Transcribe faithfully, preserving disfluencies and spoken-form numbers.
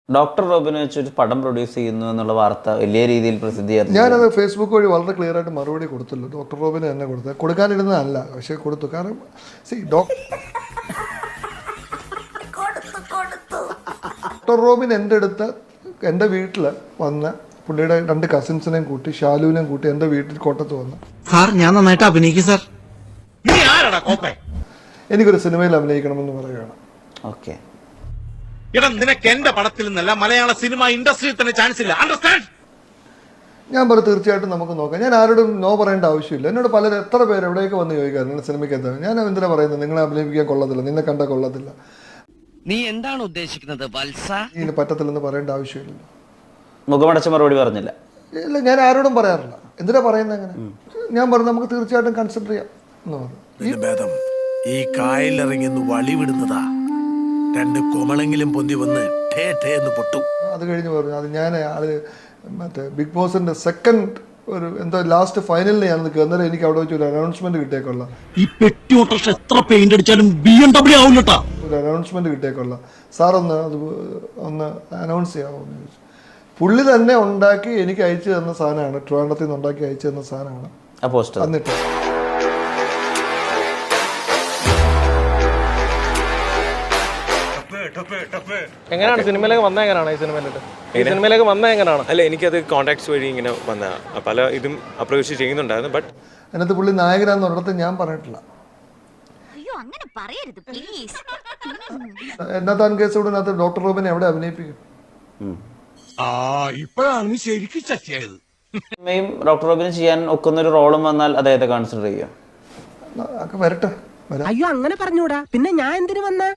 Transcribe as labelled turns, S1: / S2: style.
S1: Doctor റോബിനെ വെച്ചൊരു പടം പ്രൊഡ്യൂസ് ചെയ്യുന്നു എന്നുള്ള വാർത്ത വലിയ രീതിയിൽ പ്രസിദ്ധീകരിച്ചു.
S2: ഞാനത് ഫേസ്ബുക്ക് വഴി വളരെ ക്ലിയർ ആയിട്ട് മറുപടി കൊടുത്തുള്ളൂ. ഡോക്ടർ റോബിന് തന്നെ കൊടുത്തത്, കൊടുക്കാനിരുന്നതല്ല, പക്ഷേ കൊടുത്തു. കാരണം സി ഡോക്ടർ റോബിൻ എൻ്റെ അടുത്ത് എൻ്റെ വീട്ടിൽ വന്ന് പുള്ളിയുടെ രണ്ട് കസിൻസിനെയും കൂട്ടി ഷാലുവിനെയും കൂട്ടി എൻ്റെ വീട്ടിൽ കോട്ടത്ത് വന്ന്,
S3: സാർ ഞാൻ നന്നായിട്ട് അഭിനയിക്കും സാർ,
S2: എനിക്കൊരു സിനിമയിൽ അഭിനയിക്കണമെന്ന് പറയുകയാണ്.
S1: ഓക്കെ,
S4: എടാ നിനക്ക് എന്റെ പടത്തിൽ നിന്നല്ല മലയാള സിനിമ ഇൻഡസ്ട്രിയിൽ തന്നെ ചാൻസ് ഇല്ല, അണ്ടർസ്റ്റാൻഡ്?
S2: ഞാൻ പറഞ്ഞു തീർച്ചയായിട്ടും നമുക്ക് നോക്കാം. ഞാൻ ആരോടും നോ പറയേണ്ട ആവശ്യമില്ല. എന്നോട് പലരും എത്ര പേര് എവിടെയൊക്കെ വന്ന് ചോദിക്കാറ് നിങ്ങൾ സിനിമയ്ക്ക് എന്താ. ഞാൻ എന്തിനാ പറയുന്നത്, നിങ്ങളെ അഭിനയിപ്പിക്കാൻ കൊള്ളത്തില്ല, നിന്നെ കണ്ടാൽ കൊള്ളത്തില്ല,
S3: നീ എന്താണ് ഉദ്ദേശിക്കുന്നത് വത്സ?
S2: ഇതിന് പറ്റത്തില്ലെന്ന് പറയേണ്ട ആവശ്യമില്ല.
S1: മുഖമടച്ച മറുപടി പറഞ്ഞില്ല.
S2: ഇല്ല, ഞാൻ ആരോടും പറയാറില്ല. എന്തിനാ പറയുന്നത് അങ്ങനെ? ഞാൻ പറഞ്ഞു നമുക്ക് തീർച്ചയായിട്ടും കൺസിഡർ ചെയ്യാം എന്ന് പറഞ്ഞു.
S5: ഭേദം ഈ കായലിറങ്ങി വളി വിടുന്നതാ, രണ്ട് കൊമളെങ്കിലും പൊന്തി വന്ന് ടേ ടേ എന്ന് പൊട്ടും.
S2: അത് കഴിഞ്ഞ് പറഞ്ഞു അത് ഞാൻ അത് മറ്റേ ബിഗ് ബോസിന്റെ സെക്കൻഡ് ഒരു എന്തോ ലാസ്റ്റ് ഫൈനലിൽ ഞാൻ നിൽക്കുക. അന്നേരം എനിക്ക് അവിടെ വെച്ച് ഒരു അനൗൺസ്മെന്റ് കിട്ടിയേക്കൊള്ള,
S3: ഈ പെട്ടി ഓട്ടോറിക്ഷ എത്ര പെയിന്റ് അടിച്ചാലും ബി എം ഡബ്ല്യൂ ആവില്ലട്ടാ.
S2: ഒരു അനൗൺസ്മെന്റ് കിട്ടിയേക്കൊള്ള, സാർ ഒന്ന് അത് ഒന്ന് അനൗൺസ് ചെയ്യാമോ എന്ന് ചോദിച്ചു. പുള്ളി തന്നെ ഉണ്ടാക്കി എനിക്ക് അയച്ചു തന്ന സാധനമാണ്, ട്രിവാൻഡ്രത്തിൽ നിന്ന് ഉണ്ടാക്കി അയച്ചു തന്ന സാധനമാണ്
S1: ആ പോസ്റ്റർ.
S2: എന്നിട്ട്
S6: എങ്ങനെയാണ് സിനിമയിലേക്ക് വന്ന എങ്ങനെയാണ് ഈ സിനിമയിലോട്ട് ഈ സിനിമയിലേക്ക് വന്ന എങ്ങനെയാണ്?
S7: അല്ല, എനിക്കത് കോൺടാക്ട്സ് വഴി ഇങ്ങനെ വന്ന പല ഇതും അപ്രോച്ച് ചെയ്യുന്നുണ്ടായിരുന്നു. ബട്ട്
S2: അതിനകത്ത് പുള്ളി നായകനാന്ന് ഒരിടത്ത് ഞാൻ പറഞ്ഞിട്ടില്ല.
S8: അയ്യോ അങ്ങനെ പറയരുത് പ്ലീസ്.
S2: എന്നാത്താൻ കേസോടിനകത്ത് ഡോക്ടർ റോബിനെ എവിടെ അഭിനയിപ്പിക്കും?
S5: ഇപ്പോഴാണ് ശരിക്കും ചത്തിയായത്.
S1: സിനിമയും ഡോക്ടർ റോബിന് ചെയ്യാൻ ഒക്കുന്ന ഒരു റോളും വന്നാൽ അദ്ദേഹത്തെ കൺസിഡർ ചെയ്യാം.
S2: ഒക്കെ വരട്ടെ, വരാം.
S3: അയ്യോ അങ്ങനെ പറഞ്ഞൂടാ, പിന്നെ ഞാൻ എന്തിനു വന്ന